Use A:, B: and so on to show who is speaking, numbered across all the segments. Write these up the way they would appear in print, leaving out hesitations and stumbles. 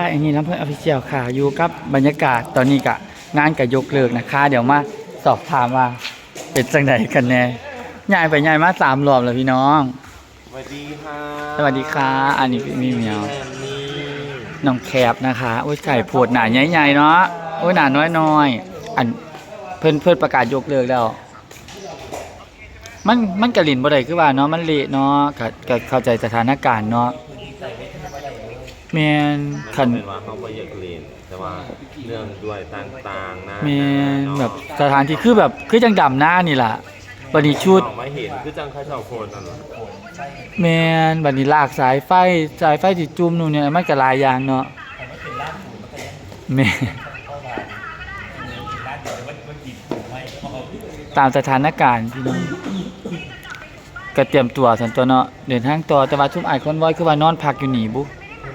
A: อันนี้ลำเพื่อนออฟฟิเชียลค่ะอยู่กับบรรยากาศตอนนี้กะงานกับยกเลิกนะคะเดี๋ยวมาสอบถามว่าเป็นจังไดกันแน่ย้ายไปย้ายมา3 รอบแล้วพี่น้อง
B: สวัสดีค่ะ
A: สวัสดีค่ะอันนี้มีเหมียวน้องแคบนะคะโอ้ยไก่โพดหนาใหญ่ๆเนาะโอ้ยหนาน้อยๆอันเพิ่นประกาศยกเลิกแล้วมันกระลินบ่ได้คือว่าเนาะมันเละเนาะก็เข้าใจสถานการณ์เนาะแม่นคัน
B: ว่าเขาบ่อยากเรียนแต่ว่าเรื่องด้วยต่างๆนะ
A: แม่นแบบสถานที่คือแบบคือจังดำหน้านี่ล่ะบัดนี้ชุด
B: ไม่เห็นคือจังเขาเจ้าโคนนั่นล่ะ
A: แม่นบัดนี้ลากสายไฟที่จุ่มนู่นเนี่ยมันก็หลายอย่างเนาะแม่ตามสถานการณ์พี่น้องก็เตรียมตัวสันตัวเนาะเดินทางต่อแต่ว่าทุกอ้ายคนไว้คือว่านอนพักอยู่นี่บุ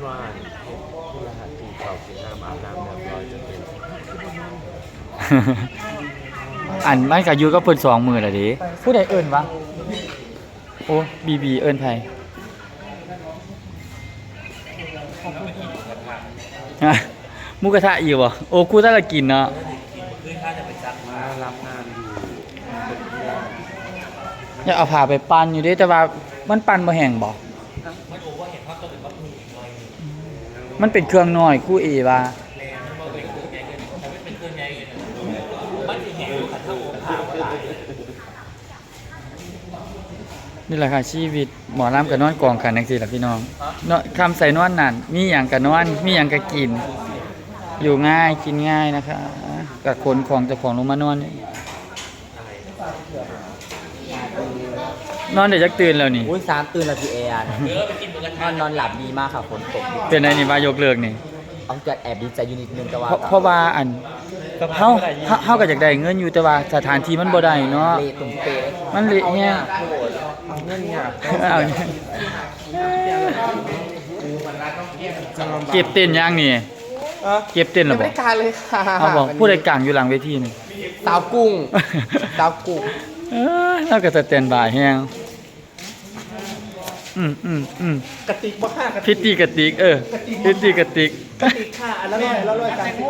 A: อันมันก็อยู่ก็เพิ่น2 มื้อแล้วเด้ผู้ใดเอิ้นวะโอ้บีเอิ้นไผหมูกระทะอยู่บ่โอ้กูถ้าละกินเนาะ
B: รับงานอยู่
A: อยากเอาผ้าไปปั่นอยู่เด้แต่ว่ามันปั่นบ่แห้งบ่มันเป็นเครื่องน้อยคู่เอว่านี่แหละค่ะชีวิตหมอลำกับนอนกองกันจังซี่ล่ะพี่น้องเนาะคำใส่นอนนั่นมีหยังก็นอนมีหยังก็กินอยู่ง่ายกินง่ายนะคะกับคนของเจ้าของลงมานอนนอนเดี๋ยวจะตื่นแล้วนี่
C: อุ้ย3 ตื่นแล้วพี่แอนนอนหลับดีมากค่ะฝนตก
A: เป็นไงนี่มายกเลิกนี่
C: เอาจะแอบดีใจอยู่นิดนึงแต่ว่า
A: เพราะว่าอันเฮาก็อยากได้เงินอยู่แต่ว่าสถานที่มันบ่ได้เนาะ
C: เละตุ่มเปะ
A: มันเละแฮะ
C: เอาเงินเนี่ย
A: เอาเงินเก็บเต้นยังนี่เก็บเต้นหรอบ่
C: ไม่การเลยค่ะ
A: เอาบอกผู้ใดกลางอยู่หลังเวทีนี่
C: สาวกุ้ง
A: แล้วก็จะเต้นบ่ายแฮง
C: กระติกบ่ค่ะ
A: พิธีกระติกพิธีกระติก
C: ค่ะอันละร้อยกัน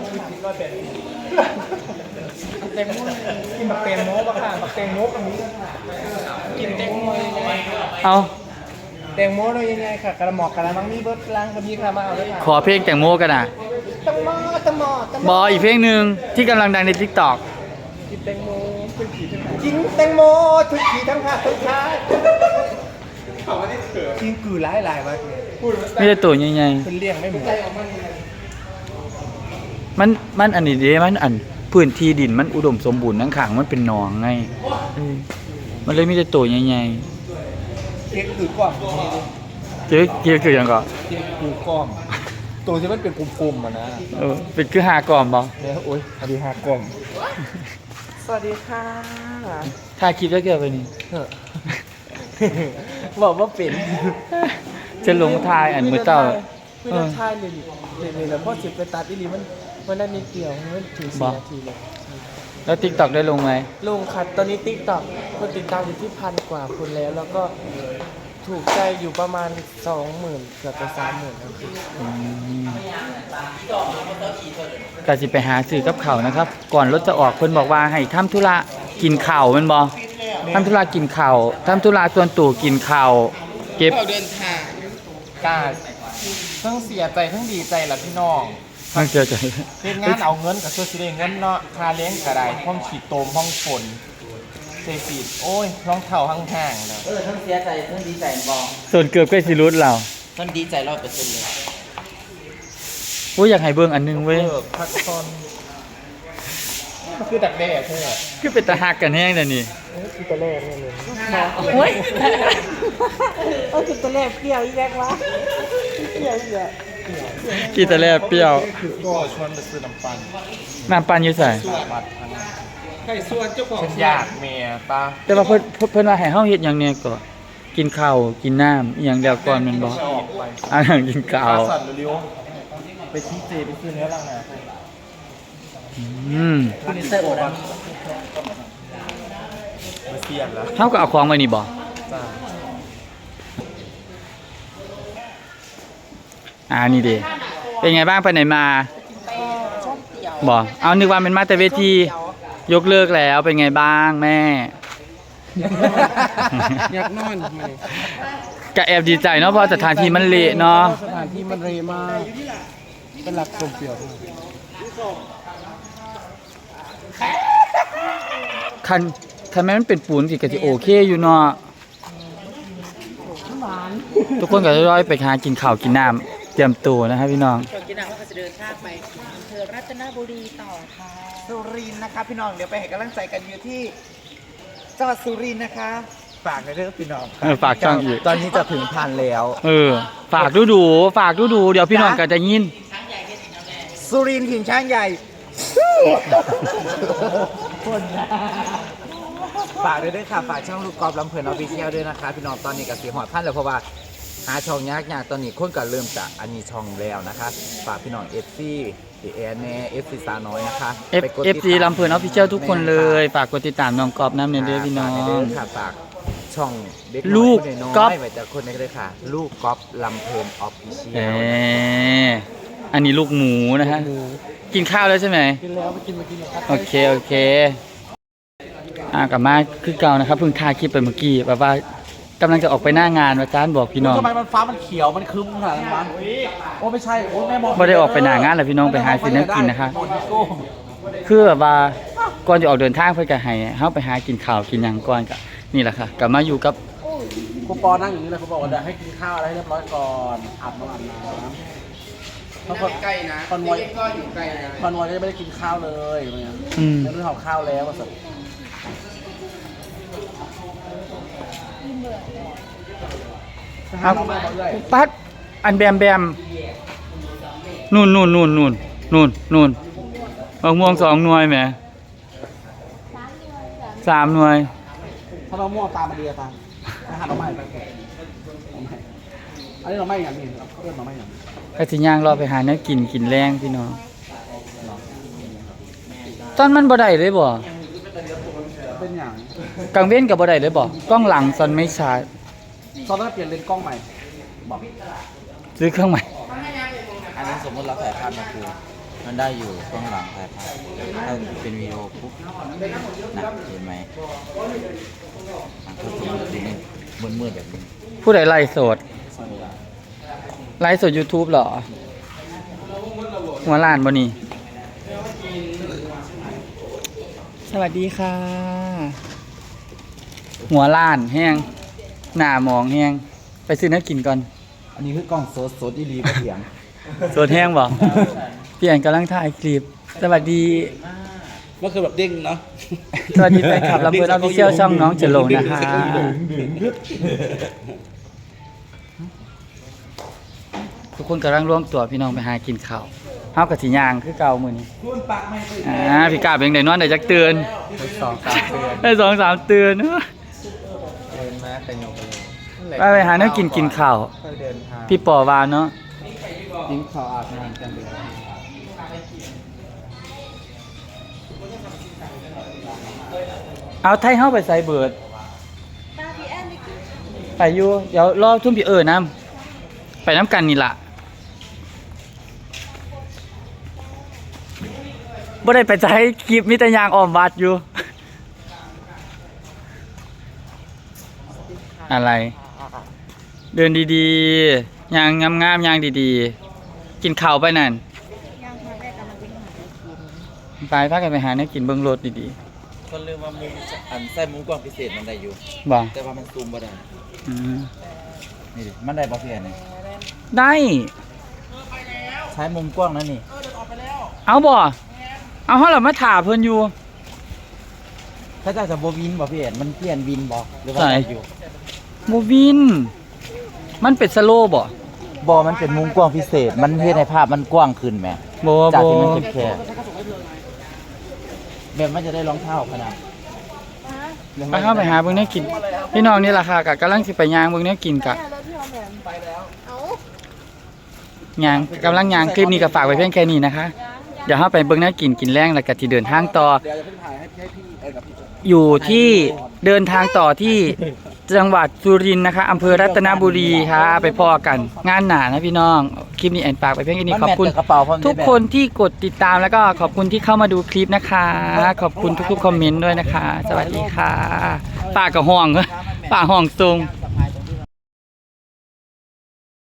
C: แตงโมกินบักแตงโมบ่ค่ะบักแตงโมกับนี้กินแตงโม
A: เอา
C: แตงโมเรายังไงค่ะกระหมอกกระมังมีเบิร์ดล้างกับมีค่ะมาเอาเลยค่ะ
A: ขอเพลงแตงโมกันนะ
C: แตงโม
A: บออีกเพลงหนึ่งที่กำลังดังใน TikTok
C: กินแตงโมเป็นผีทั้งกินแตงโมทุกผีทั้งภาคทั้งชาติกินกือหลายมากเลย
A: ไม่ได้ตัวใหญ่
C: ๆเป็นเลี้ยงไม่หมด
A: มันอันนี้เด้มันอันพื้นที่ดินมันอุดมสมบูรณ์ทั้งข้างมันเป็นหนองไงมันเลยมีแต่ตัวใหญ่
C: ๆเก๊กคือก้อม
A: เก๊กคือยังก่อน
C: เก๊กคือก้อมตัวที่มันเป็นกลมๆอ่ะนะ
A: เป็นคือ5 กล่อมบ่
C: เนี่ยโอ๊ยอันนี้5 กล่อมสวัสดีค่ะ
A: ถ่ายคลิปแล้วเกี่ยวกับนี่
C: บอกว่าเป็น
A: จะลงทายอันมือเต้า
C: ไม่ได้ทายเลยแล้วพอจิบไปตัดอีหลีมันได้นิดเดียวมันถึง4 นาทีเลย
A: แล้ว TikTok ได้ลงไหม
C: ลงค่ะตอนนี้ TikTok คนติดตามอยู่ที่1,000 กว่าคนแล้วก็ถูกใจอยู่ประมาณ 20,000 เกือบจะ30,000แล้ว
A: ก็สิไปหาซื้อกับข้าวนะครับก่อนรถจะออกเพิ่นบอกว่าให้ทำธุระกินข้าวแม่นบ่ทำธุระกินข้าวทำธุระส่วนตัวกินข้าวเก็บ
C: เดินทางกาทั้งเสียใจทั้งดีใจล่ะพี่น้อง
A: ทั้งเสียใจ
C: เฮ็ดงานเอาเงินก็สิได้เงินเนาะค่าเลี้ยงก็ได้ห้องฉีดโตมห้องฝนเซฟีดโอ้ยรองเท้าห่างๆแล้ว
D: ทั้งเสียใจทั้งดีใจบ่
A: ส่วนเกือบใกล้สิรุดเรา
D: ทั้งดีใจ100%เลย
A: โอ้ยอยากให้เบิ่งอันนึงเว้ย
C: พักตอนคือดักแด้ใช่มั้ย
A: คือเป็นตาฮักกันแฮงเด้อนี่
C: คือตะแล่เนี่ยเลยโอ้ยคือตะแล่เปรี้ยวอีแรกวะเปรี้ยวอีแรก
A: กีตาแล่เปรี้ยว
C: ก็ชวนไปซื้อน้ำ
A: ปั่นอยู่ใส่
C: ใครส่วนเจ้าของฉันอยากเมียตา
A: แต่ว่าเพิ่นว่าให้เฮาเฮ็ดหยังเนี่ยก็กินข้าวกินน้ำอีหยังแล้วก่อนแม่นบ่อันนั้นกินข้าว
C: ไปชี้เจไปซื้อเนื้อลังนา
D: คุณนิสเตอร์โอด
C: มาเสียบแล้ว
A: เฮาก็เอาของไว้นี่บ่นี่เด้เป็นไงบ้างไปไหนมาบอกเอานึกว่าเป็นมาแต่เวทียกเลิกแล้วเป็นไงบ้างแม่
C: อยากนอน
A: ก็แอบดีใจเนาะเพราะสถานที่มันเละเนาะ
C: สถานที่มันเรมากเป็นหลักชมเปลี่ยว
A: คันแม่มันเป็นปูนสิก็สิโอเคอยู่เนาะทุกคนก็ร้อยไปหากินข้าวกินน้ำเตรียมตัวนะครับพี่น้อง
D: ก่อนกินน้ำก็จะเดินทางไปอำเภอรัตนบุรีต่อค่ะสุรินทร์นะคะพี่น้องเดี๋ยวไปให้กำลังใจกันอยู่ที่จังหวัดสุรินทร์นะคะฝากในเรื่องพี่น้อง
A: ฝากช่องอีก
D: ตอนนี้จะถึงพันแล้ว
A: ฝากดูเดี๋ยวพี่น้องก็จะยิน
D: สุรินทร์ถิ่นช้างใหญ่ ฝากด้วยค่ะฝากช่องลูกกอล์ฟลำเพลินออฟฟิเชียลด้วยนะคะพี่น้องตอนนี้กับสีหอดพันแล้วเพราะว่าหาช่องยากตอนนี้คนก็เริ่มจากอันนี้ช่องแล้วนะคะฝากพี่น้องFC ดีแอนแน่FC สาวน้อยนะคะไปกดติดตาม
A: FC ลำเพลินออฟฟิเชียลทุกคนเลยฝากกดติดตามน้องกอบน้ำเนเด้อพี่น้อง
D: ฝากในเด้ค่ะฝากช่องเด็ก
A: ลูก
D: น้อย
A: ก๊อฟ
D: ไว้แต่คนนี้ก็เลยค่ะ ลูกกอล์ฟลำเพลินออฟฟิเชีย
A: เอ
D: ล
A: อันนี้ลูกหมูนะฮะกินข้าวแล้วใช่ไหม
C: กินแล้วไปกินมากินครับ
A: โอเคกลับมาคือเก่านะครับเพิ่งถ่ายคลิปไปเมื่อกี้แบบว่ากำลังจะออกไปหน้างานอาจารย์บอกพี่น้อง
C: ทำไมมันฟ้ามันเขียวมันคึ้มขนาดนั้นวะโอ้ไม่ใช่โอ้แม่บอก
A: ไม่ได้ออกไปหน้างานแล้วพี่น้องไปหาซื้อน้ำกินนะคะคือแบบว่าก่อนจะออกเดินทางเพื่อจะให้เฮาไปหากินข้าวกินหยังก่อนก็นี่แหละค่ะกลับมาอยู่กับ
C: ครูปอนั่งอย่างนี้เลยครูบอกว่าเดี๋ยวให้กินข้าวอะไรให้เรียบร้อยก่อนอาบน้ำเพราะคนใกล้นะคอนวอยก็อยู่ใกล้นะคอนวอยก็จะไม่ได้กินข้าวเลยอะไรเงี้ย
A: อืม
C: ไม่ได้ห่อข้าวแล้วว่าสัตว์
A: ปัดอันแบมนู่นมะม่วง2 หน่วยแหม3 หน่วย
C: ถ้าเราม่วงตามมาดีอะตามไปหาเราใหม่ไปอันนี้เราไม่อย่างนี้เพื่อนเราไม่อย่างนี้
A: ก็สิย่างรอไปหาเนื้อกินแรงพี่น้องตอนมันบ่ได้เลยบ่
C: เป็นอย่าง
A: กลางเว้นก็บ่ได้เลยบ่กล้องหลังซอนไม่ชาร์จ
C: ตอนนั้นเปลี่ยนเลนส์กล้องใหม่บอก
A: ซื้อเครื่องใหม่
D: อันนี้สมมติเราถ่ายภาพมาคือมันได้อยู่กล้องหลังถ่ายภาพถ้าเป็นวิดีโอปุ๊บนะเห็นไหมมันก็จะมืดๆแบบนี้
A: ผู้ใดไลฟ์สด YouTube เหรอ หัวล้านบ่นี่ สวัสดีค่ะ หัวล้านแห้งหน้าหมองแห้งไปซื้อน้ำกินก่อน
D: อันนี้คือกล้องสดอีรีเสียง
A: สดแห้งบ่เปลี่ยนกำลังถ่ายคลิป สวัสดี
C: ก็คือแบบเด้งเนาะ
A: สวัสดีแฟนคลับลำเพลินออฟฟิเชียลช่องน้องเจโลนะคะ ทุกคนกำลังร่วมตัวพี่น้องไปหากินข้าวเฮากับสียางคือเก่ามื้อนี้พี่กาเป็นไดนอนได้จักเตือน
D: 2-3 เดือน
A: ได้2-3 เตือน
D: เดินมาแต่ยง
A: ไปหาแนวกินข้าว
D: ค่อยเดินทาง
A: พี่ปอว่าเนาะ
D: กินข้าวอาบน้ำกันเลย
A: เอาไทยเฮาไปใส่เบิดไปอยู่เดี๋ยวรอทุ่มพี่น้ำไปน้ำกันนี่ล่ะบ่ได้ไปใช้คลิปมีแต่ยางอ้อมวัดอยู่ อะไร เดินดีๆยางงามๆยางดีๆ กินข้าวไปนั่นไปพากันไปหาเนื้อกินเบิ่งรถดี
D: คนลืมว่ามุมอันใส่มุมกล้องพิเศษมันได้อยู่
A: ๆบ่
D: แต่ว่ามันซูมบ่ได้
A: อืม
D: นี่ดิมันได้บ่เพียนนี่
A: ได้
D: ใช้มุมกว้างนั่นนี่
A: เอาบ่ เอาเฮาล่ะมาถ่าเพิ่นอยู่
D: ถ้าเจ้าจะบ่วินบ่เพียนมันเปลี่ยนวินบ่หรือว่า
A: ใช่
D: ได้อยู่
A: บ่วิน มันเป็นสโลว์บ่
D: บ่มันเป็นมุมกว้างพิเศษ มันเฮ็ดให้ภาพมันกว้างขึ้นแหม
A: บ่
D: จาก
A: บ่
D: ที่มันแคบๆแบบมันจะได้รองเท้าขนาด
A: ไปเข้าไปหาเบิ่งเนื้อกิน พี่น้องนี่ล่ะค่ะกะกำลังสิไปย่างเบิ่งเนื้อกินกะย่างกำลังย่างคลิปนี้ก็ฝากไว้เพียงแค่นี้นะคะเดี๋ยวเฮาไปเบิ่งแนวกินแรงแล้วก็สิเดินทางต่อ
C: เดี๋ยวจะเพิ่งถ่ายให้พี่กับพี่
A: อยู่ที่เดินทางต่อที่จังหวัดสุรินทร์นะคะอำเภอรัตนบุรีค่ะไปพอกันงานหนานะพี่น้องคลิปนี้แอนฝากไปเพียงแค่นี้ขอบคุณ
D: กระเป๋าพร้อม
A: ทุกคนที่กดติดตามแล้วก็ขอบคุณที่เข้ามาดูคลิปนะคะ ขอบคุณทุกๆคอมเมนต์ด้วยนะคะ สวัสดีค่ะป้ากับห้องป้าห้องทรง
C: ไป